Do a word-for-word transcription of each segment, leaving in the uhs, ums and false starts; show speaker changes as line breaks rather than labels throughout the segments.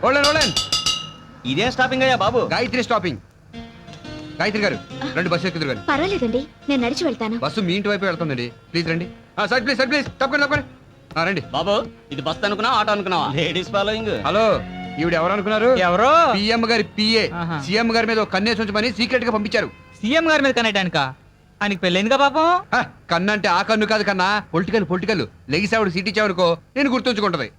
ఇదే స్టాపింగ్ అయ్యా బాబు?
గాయత్రి స్టాపింగ్. గాయత్రి గారు రండి, బస్సు ఎక్కుదురు గారు.
పర్వాలేదండి, నేను నడిచి వెళ్తాను.
బస్సు మీ ఇంటి వైపు వెళ్తుందండి, ప్లీజ్ రండి. సార్ ప్లీజ్ సార్ ప్లీజ్ తప్పకుండా తప్పకుండా రండి.
బాబు ఇది బస్ అనుకున్నా ఆటో అనుకున్నావా? Ladies following.
హలో, ఈవిడ ఎవరు అనుకున్నారు?
ఎవరో
పిఎం గారి పిఏ. సీఎం గారి మీద కన్నేసి ఉంచమని సీక్రెట్ గా పంపించారు.
సీఎం గారి మీద కనేటానిక? ఆయనకి పెళ్ళైందిగా పాపం.
కన్ను అంటే ఆ కన్ను కాదు కన్నా, పొలిటికల్ పొలిటికల్ లెగిసావుడు సీట్ ఇచ్చావనుకో నేను గుర్తుంచుకుంటది.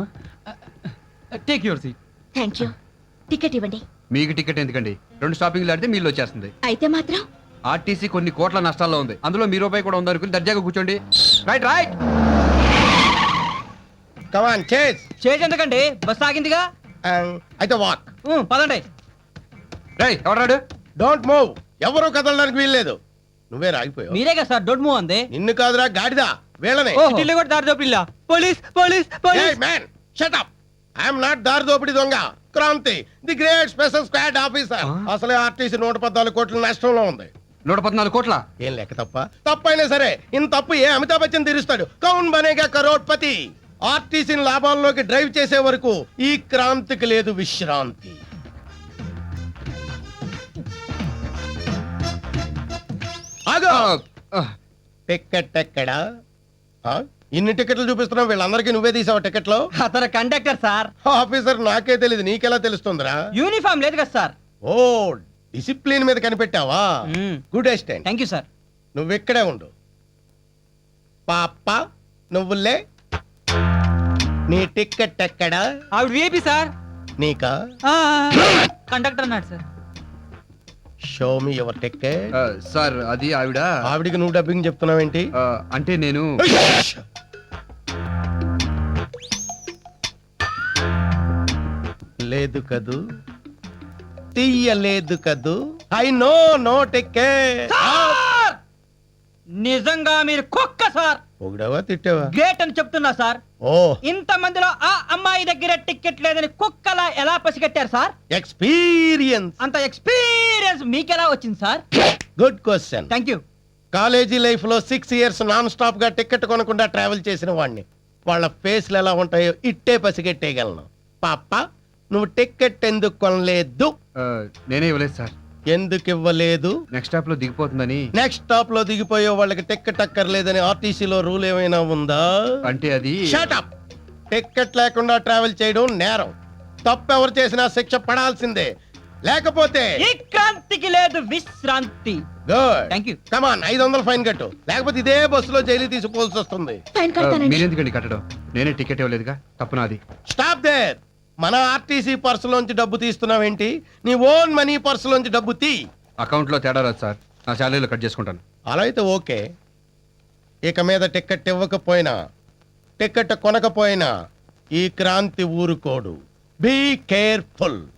Take your seat.
Thank you. Ticket ఇవ్వండి.
మీకు టికెట్ ఎందుకండి? రెండు స్టాపింగ్లు ఆడితే మీళ్ళు వచ్చేస్తుంది.
అయితే మాత్రం
ఆర్టీసీ కొన్ని కోట్ల నష్టాల్లో ఉంది, అందులో మీ రూపాయి కూడా ఉందనుకుని దర్జాగా కూర్చోండి. Right right
come on chase.
Chase ఎందుకండి, బస్ ఆగిందిగా.
అయితే వాక్.
ఉమ్, పదండి.
రై ఎవరాడు?
Don't move. ఎవరు కదలడానికి వీల్లేదు. నువ్వే రాగిపోయావు.
మీరే కదా సార్ డోంట్ మూవ్ అంది.
నిన్ను కాదురా గాడిదా, వీళ్ళనే.
ఢిల్లీ కూడా దారి దోపిల్లా. Police police police.
Man shut up. I'm not దారి దోపిడి దొంగ. Kranthi, the great special squad officer. అసలే ఆర్టీసీ నూట పద్నాలుగు కోట్ల నష్టంలో ఉంది.
నూట పద్నాలుగు కోట్ల
ఏం లెక్క తప్ప? తప్పైనా సరే ఇంత తప్పు ఏ అమితాబ్ బచ్చన్ తీరుస్తాడు? కౌన్ బనేగా కరోడ్పతి. ఆర్టీసీని లాభాల్లోకి డ్రైవ్ చేసే వరకు ఈ క్రాంతికి లేదు విశ్రాంతి. ఆగో, టికెట్ ఎక్కడా? ఆ? ఇన్ని టికెట్లు చూపిస్తున్నావు, వీళ్ళందరికీ నువ్వే తీసావు టికెట్లు?
అతను కండక్టర్ సార్.
ఆఫీసర్ నాకే తెలియదు, నీకెలా తెలుస్తుందిరా?
యూనిఫామ్ లేదు కదా సార్.
ఓ, డిసిప్లిన్ మీద కనిపెట్టావా? Good assistant.
Thank you sir.
నువ్వు ఇక్కడే ఉండు. పాప నువ్వులే. నీ టికెట్ ఎక్కడా?
ఆవిడ విఐపి సార్.
నీకా?
కండక్టర్ అన్నాడు sir.
Show me your ticket.
Sir అది ఆవిడ.
ఆవిడికి నువ్వు డబ్బింగ్ చెప్తున్నావేంటి?
ఆ, అంటే నేను
లేదు కదూ, తీయలేదు కదూ. I know no ticket.
నిజంగా మీరు కుక్క సార్.
పొగిడావా తిట్టావా?
గ్రేట్ అని చెప్తున్నా సార్.
ఓ,
ఇంత మందిలో ఆ అమ్మాయి దగ్గర టికెట్ లేదని కుక్కలా ఎలా పసిగట్టారు సార్?
ఎక్స్పీరియన్స్.
అంత ఎక్స్పీరియన్స్ మీకెలా వచ్చింది sir?
Good question.
Thank you.
College life లో సిక్స్ ఇయర్స్ నాన్ స్టాప్ గా టికెట్ కొనకుండా ట్రావెల్ చేసిన వాడిని. వాళ్ళ ఫేస్లు ఎలా ఉంటాయో ఇట్టే పసిగట్టేయగలను. పాప నువ్వు టికెట్ ఎందుకు కొనలేదు?
ఆ, నేనే ఇవ్వలేదు సార్.
ఎందుకు ఇవ్వలేదు?
నెక్స్ట్ స్టాప్ లో దిగిపోతుందని.
నెక్స్ట్ స్టాప్ లో దిగిపోయే వాళ్ళకి టికెట్ అక్కర్లేదని ఆర్టీసీలో రూల్ ఏమైనా ఉందా?
అంటే అది
షట్ అప్. టికెట్ లేకుండా ట్రావెల్ చేయడం నేరం. తప్పు ఎవరు చేసినా శిక్ష పడాల్సిందే. లేకపోతే
ఈ క్రాంతికి లేదు విశ్రాంతి.
గుడ్.
Thank you.
కమాన్, ఐదు వందలు ఫైన్ కట్టు. లేకపోతే ఇదే బస్సులో జైలు తీసుకోవాల్సి వస్తుంది.
ఫైన్
ఆ,
కడతానండి.
మీరెందుకండి కట్టడం? నేనే టికెట్ ఇవ్వలేదుగా, తప్పు నాది.
Stop there. మన ఆర్టీసీ పర్సులోంచి డబ్బు తీస్తున్నావేంటి? నీ ఓన్ మనీ పర్సులోంచి డబ్బు తీ.
అకౌంట్ లో తేడా రాదు సార్, నా శాలరీలో కట్ చేసుకుంటాను.
అలా అయితే ఓకే. ఇక మీద టికెట్ ఇవ్వకపోయినా, టికెట్ కొనకపోయినా ఈ క్రాంతి ఊరుకోడు. Be careful.